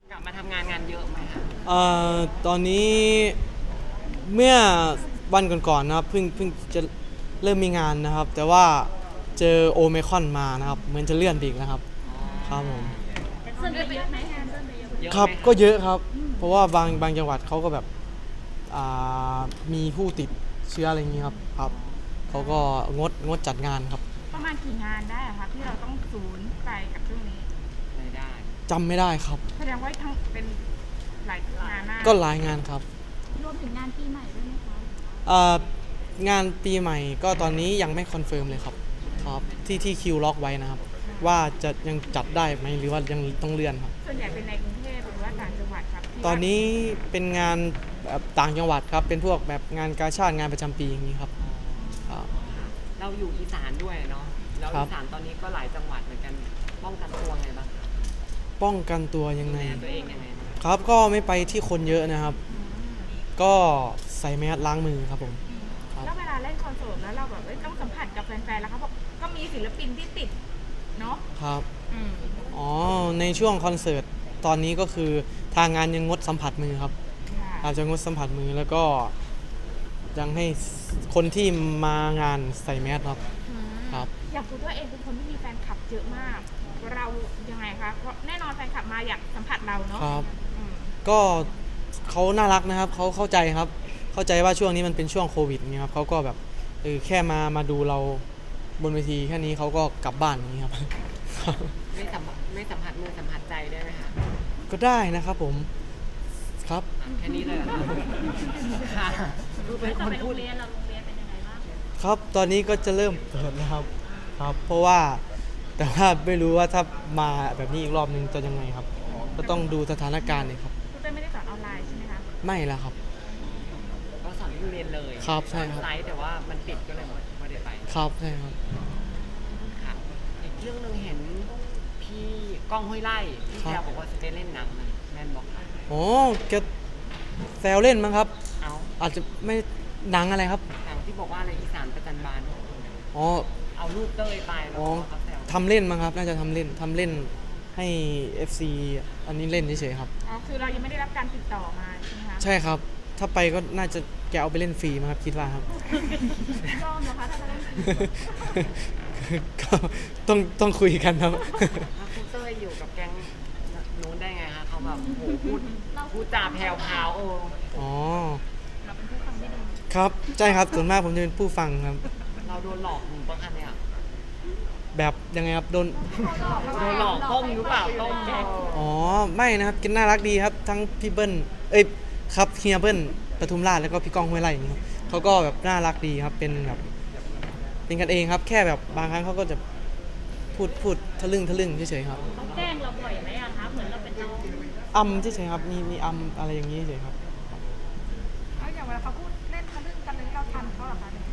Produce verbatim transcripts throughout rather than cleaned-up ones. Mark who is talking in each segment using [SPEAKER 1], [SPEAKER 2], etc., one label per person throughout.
[SPEAKER 1] กลับมาทำงานงานเยอะไหมคะ
[SPEAKER 2] เอ่อตอนนี้เมื่อวันก่อนๆนะครับเพิ่งเพิ่งจะเริ่มมีงานนะครับ แต่ว่าเจอโอไมครอนมานะครับเหมือนจะเลื่อนไปอีกนะครับครับผม
[SPEAKER 3] เส้นไปเยอะไหมงานเส้นไปเยอะไหม
[SPEAKER 1] เยอะ
[SPEAKER 2] ครับ
[SPEAKER 1] ไหมะ
[SPEAKER 2] ก็เยอะครับ เพราะว่าบางบางจังหวัดเขาก็แบบอ่ามีผู้ติดเชื้ออะไรอย่างนี้ครับครับเขาก็งดงดจัดงานครับ
[SPEAKER 3] ประมาณกี่งานได้อะคะที่เราต้องศูนย์ไปกับช่วงนี้
[SPEAKER 1] รายได้
[SPEAKER 2] จำไม่ได้ครับ
[SPEAKER 3] แสดงว่าทั้งเป็นหลายงานมาก
[SPEAKER 2] ก็หลายงานครับ
[SPEAKER 3] รวมถึงงานปีใหม่ด้วยไหมคะ
[SPEAKER 2] เอ่องานปีใหม่ก็ตอนนี้ยังไม่คอนเฟิร์มเลยครับครับที่ที่คิวล็อกไว้นะครับ ว่าจะยังจัดได้ไหมหรือว่ายังต้องเลื่อนครับ
[SPEAKER 3] ส่วนใหญ่เป็นในกรุงเทพหรือว่าต่างจังหวัดครับที่
[SPEAKER 2] ตอนนี้เป็นงานแบบต่างจังหวัดครับ เป็นพวกแบบงานกาชาติงานประจำปีอย่างนี้ครับครับ
[SPEAKER 1] ค่ะเราอยู่อีสานด้วยเนาะแล้ว
[SPEAKER 2] ครับ
[SPEAKER 1] อีสานตอนนี้ก็หลายจังหวัดเหมือนกันป้องกันตัวไงบ้างคะ
[SPEAKER 2] ป้องกันตัวยัง
[SPEAKER 1] ดู
[SPEAKER 2] ไง
[SPEAKER 1] แลตัวเองยังไงบ้าง
[SPEAKER 2] ครับก็ไม่ไปที่คนเยอะนะครับ ก็ใส่แมสล้างมือครับผมครับ
[SPEAKER 3] แล้วเวลาเล่นคอนเสิร์ตแล้วเราแบบเอ้ยต้องสัมผัสกับแฟนๆแล้วเขาบอกก็มีศิลปินที่ติดเนาะ
[SPEAKER 2] ครับ
[SPEAKER 3] อืม
[SPEAKER 2] อ๋อในช่วงคอนเสิร์ตตอนนี้ก็คือทางงานยังงดสัมผัสมือครับ
[SPEAKER 3] ค่ะ
[SPEAKER 2] อาจจะงดสัมผัสมือแล้วก็ยังให้คนที่มางานใส่แมสครับ
[SPEAKER 3] อืม
[SPEAKER 2] ครับ
[SPEAKER 3] อย่างคุณตัวเองเป็นคนที่มีแฟนคลับเยอะมาก เรายังไงคะเพราะแน่นอนแฟนคลับมาอยากสัมผัสเราเนาะ
[SPEAKER 2] ครับ
[SPEAKER 3] อืม
[SPEAKER 2] ก็เขาน่ารักนะครับเขาเข้าใจครับ เข้าใจว่าช่วงนี้มันเป็นช่วงโควิดเนี่ยครับเขาก็แบบเออแค่มามาดูเราบนเวทีแค่นี้เขาก็กลับบ้านอย่างนี้ครับ
[SPEAKER 1] ไม่สัมผัสไม่สัมผัสมือสัมผัสใจได้ไหมคะ
[SPEAKER 2] ก็ได้นะครับผมครับ
[SPEAKER 1] อ่ะแค่นี้เลยเหรอคะค่ะคือเป็นคนพูด
[SPEAKER 3] เรียนเราโรงเรียนเป็นยังไงบ้าง
[SPEAKER 2] ครับตอนนี้ก็จะเริ่มเปิดแล้วครับครับ เพราะว่าแต่ว่าไม่รู้ว่าถ้ามาแบบนี้อีกรอบนึงจะยังไงครับ ก็ต้องดูสถานการณ์เลยครับ
[SPEAKER 3] คุณเต้ยไม่ได้สอนออนไลน์ใช่ไหมคะ
[SPEAKER 2] ไม่แล้วครับ
[SPEAKER 1] ก็สอนที่โรงเรียนเลย
[SPEAKER 2] ครับใช่ครับ
[SPEAKER 1] ไลฟ์แต่ว่ามันปิดก็เลยไม่ได้ไป
[SPEAKER 2] ครับใช่ครับ
[SPEAKER 1] ค่ะอีกเรื่องหนึงเห็นพี่ก้องห้วยไร่พี่
[SPEAKER 2] ครับ
[SPEAKER 1] แซวบอกว่าจะไปเล่นหนังนะแมนบอกค่ะ
[SPEAKER 2] โอ้แกแซวเล่นมั้งครับ
[SPEAKER 1] เอา
[SPEAKER 2] อาจจะไม่หนังอะไรครับ
[SPEAKER 1] หนังที่บอกว่าอะไรอีสานประจันบาน
[SPEAKER 2] อ๋อ
[SPEAKER 1] เอารูปเต้ยไปแล้ว
[SPEAKER 2] อ๋อ
[SPEAKER 1] เขาแซว
[SPEAKER 2] ทำเล่นมั้งครับ น่าจะทำเล่นทำเล่นให้ เอฟ ซี อันนี้เล่นเฉยๆครับ
[SPEAKER 3] อ๋อ คือเรายังไม่ได้รับการติดต่อมาใช่ไหมคะ
[SPEAKER 2] ใช่ครับ ถ้าไปก็น่าจะแกเอาไปเล่นฟรีมั้งครับคิดว่าครับ
[SPEAKER 3] ยอมเหรอคะถ้าจะเล่นฟรี
[SPEAKER 2] ก็ต้องต้องคุยกันครับ
[SPEAKER 1] แล้วคุณเต้ยอยู่กับแก๊งนู้นได้ไงคะเขาแบบโหพูดพูดจาแผ่วพราวโอ้
[SPEAKER 2] อ๋อ
[SPEAKER 3] เราเป็นผู้ฟังไม่ดี
[SPEAKER 2] ครับใช่ครับส่วนมากผมจะเป็นผู้ฟังครับ
[SPEAKER 1] เราโดนหลอกหรือเปล่าคะเนี่ย
[SPEAKER 2] แบบยังไงครับโดน
[SPEAKER 1] โดนหลอกต้มหรือเปล่าต้มแกง
[SPEAKER 2] อ๋อไม่นะครับกินน่ารักดีครับ ทั้งพี่เบิ้ลเอ้ยครับเฮียเบิ้ลปทุมราชแล้วก็พี่ก้องห้วยไร่อย่างนี้ครับเขาก็แบบน่ารักดีครับเป็นแบบเป็นกันเองครับ แค่แบบบางครั้งเขาก็จะพูดพูดทะลึ่งทะลึ่งเฉยๆครับ
[SPEAKER 3] เขาแกล้งเราบ่อยไหมอะคะ เหมือนเราเป็นน้อง
[SPEAKER 2] อัมเฉยๆครับมีมีอัมอะไรอย่างนี้เฉยๆครับ
[SPEAKER 3] เอาอย่างเวลาเขาพูดเล่นทะลึ่งกันเลยเราทันเขาเหรอคะเนี่ย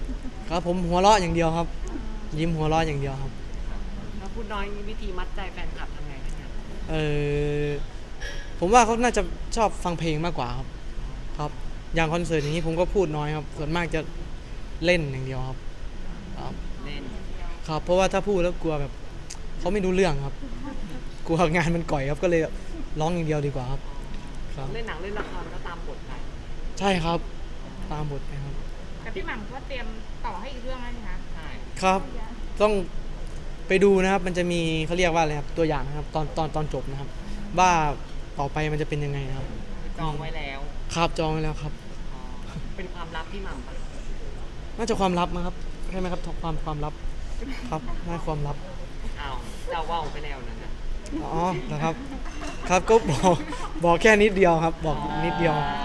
[SPEAKER 2] ครับผมหัวเราะอย่างเดียวครับ ยิ้มหัวเราะอย่างเดียวครับ
[SPEAKER 1] แล้วพูดน้อยมีวิธีมัดใจแฟนคลับทำไงคะเนี่ย
[SPEAKER 2] เออผมว่าเขาน่าจะชอบฟังเพลงมากกว่าครับ ครับ อย่างคอนเสิร์ตอย่างนี้ผมก็พูดน้อยครับ ส่วนมากจะเล่นอย่างเดียวครับ ครับ
[SPEAKER 1] เล่น
[SPEAKER 2] ครับ เพราะว่าถ้าพูดแล้วกลัวแบบเขาไม่รู้เรื่องครับ กลัวงานมันก่อยครับ ก็เลยร้องอย่างเดียวดีกว่าครับ ครับ
[SPEAKER 1] เล่นหนังเล่นละครก็ตามบทไป
[SPEAKER 2] ใช่ครับ ตามบทไปครับ
[SPEAKER 3] แต่พี่หม่ำก็เตรียมต่อให้อีกเรื่องแล้วนี่คะ
[SPEAKER 1] ใช่
[SPEAKER 2] ครับ ต้องไปดูนะครับ มันจะมีเขาเรียกว่าอะไรครับ ตัวอย่างนะครับ ตอนตอนตอนจบนะครับ ว่าต่อไปมันจะเป็นยังไงนะครับ
[SPEAKER 1] จองไว้แล้ว
[SPEAKER 2] ครับจองไว้แล้วครับ
[SPEAKER 1] อ๋อเป็นความลับพี่หม่ำปะ
[SPEAKER 2] น่าจะความลับมั้งครับใช่ไหมครับความความลับครับน่าความลับ
[SPEAKER 1] อ้าวเจ้าว่าวไปแล้วนั่นนะ
[SPEAKER 2] อ๋อนะครับ ครับก็บอกบอกแค่นิดเดียวครับ บอกนิดเดียว
[SPEAKER 1] อ๋อ